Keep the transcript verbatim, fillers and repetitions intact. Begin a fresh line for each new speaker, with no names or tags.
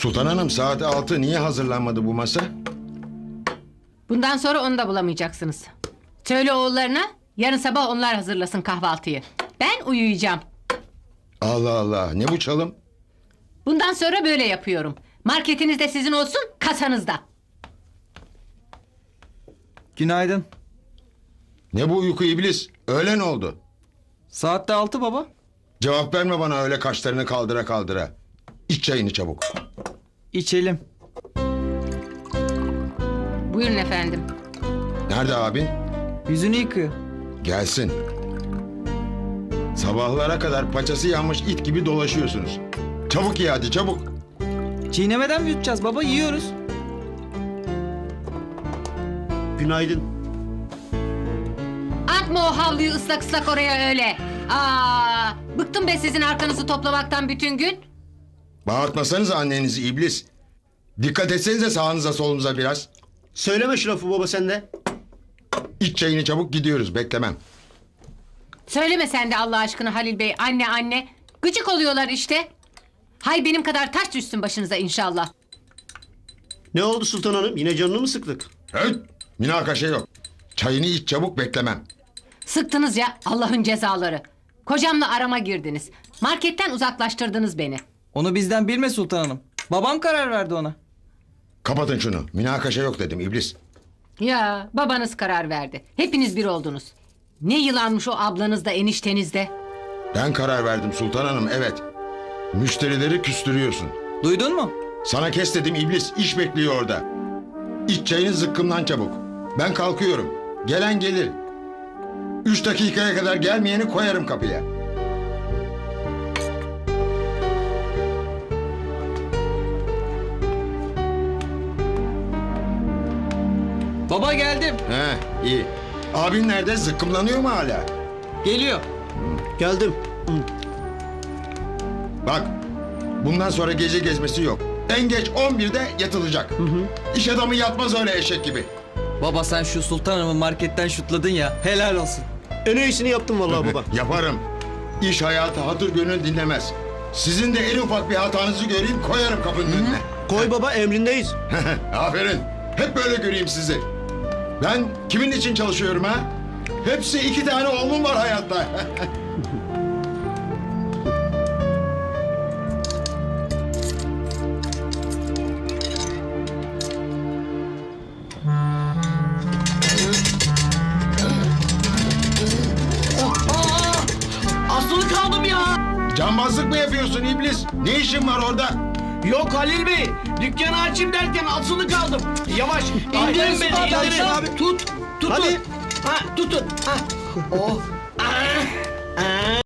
Sultan Hanım, saat altı, niye hazırlanmadı bu masa?
Bundan sonra onu da bulamayacaksınız. Söyle oğullarına yarın sabah onlar hazırlasın kahvaltıyı. Ben uyuyacağım.
Allah Allah, ne bu çalım?
Bundan sonra böyle yapıyorum. Marketiniz de sizin olsun, kasanızda.
Günaydın.
Ne bu uyku iblis? Öğlen oldu.
Saatte altı baba.
Cevap verme bana öyle kaşlarını kaldıra kaldıra. İç çayını çabuk.
İçelim.
Buyurun efendim.
Nerede abin?
Yüzünü yıkıyor.
Gelsin. Sabahlara kadar paçası yanmış it gibi dolaşıyorsunuz. Çabuk ye hadi, çabuk.
Çiğnemeden mi yutacağız baba? Yiyoruz.
Günaydın.
Atma o havluyu ıslak ıslak oraya öyle. Aa, bıktım be sizin arkanızı toplamaktan bütün gün.
Bağırtmasanız annenizi iblis. Dikkat etsenize sağınıza solunuza biraz.
Söyleme şu lafı baba sen de.
İç çayını çabuk, gidiyoruz, beklemem.
Söyleme sen de Allah aşkına Halil Bey, anne anne. Gıcık oluyorlar işte. Hay benim kadar taş düşsün başınıza inşallah.
Ne oldu Sultan Hanım? Yine canını mı sıktık?
Höt! Münakaşa yok. Çayını iç çabuk, beklemem.
Sıktınız ya Allah'ın cezaları. Kocamla arama girdiniz. Marketten uzaklaştırdınız beni.
Onu bizden bilme Sultan Hanım. Babam karar verdi ona.
Kapatın şunu. Münakaşa yok dedim iblis.
Ya babanız karar verdi. Hepiniz bir oldunuz. Ne yılanmış o ablanız da enişteniz de.
Ben karar verdim Sultan Hanım, evet. Müşterileri küstürüyorsun.
Duydun mu?
Sana kes dedim iblis, iş bekliyor orada. İç çayını zıkkımdan çabuk. Ben kalkıyorum. Gelen gelir. Üç dakikaya kadar gelmeyeni koyarım kapıya.
Baba geldim.
He, iyi. Abin nerede? Zıkkımlanıyor mu hala?
Geliyor.
Geldim.
Bak, bundan sonra gece gezmesi yok. En geç on birde yatılacak. İş adamı yatmaz öyle eşek gibi.
Baba sen şu Sultan Hanım'ı marketten şutladın ya. Helal olsun.
En iyisini yaptım vallahi baba.
Yaparım. İş hayatı hatır gönül dinlemez. Sizin de en ufak bir hatanızı göreyim, koyarım kapının önüne.
Koy baba emrindeyiz.
Aferin. Hep böyle göreyim sizi. Ben kimin için çalışıyorum ha? Hepsi iki tane oğlum var hayatta.
Asılı kaldım ya.
Cambazlık mı yapıyorsun iblis? Ne işin var orada?
Yok Halil Bey. Dükkanı açayım derken asılı kaldım. Yavaş.
Ay,
İndirin beni.
ay,
indirin.
ay, abi.
Tut. Tutun.
Hadi.
Ha, tutun. Ha. Oh. Ah. Ah.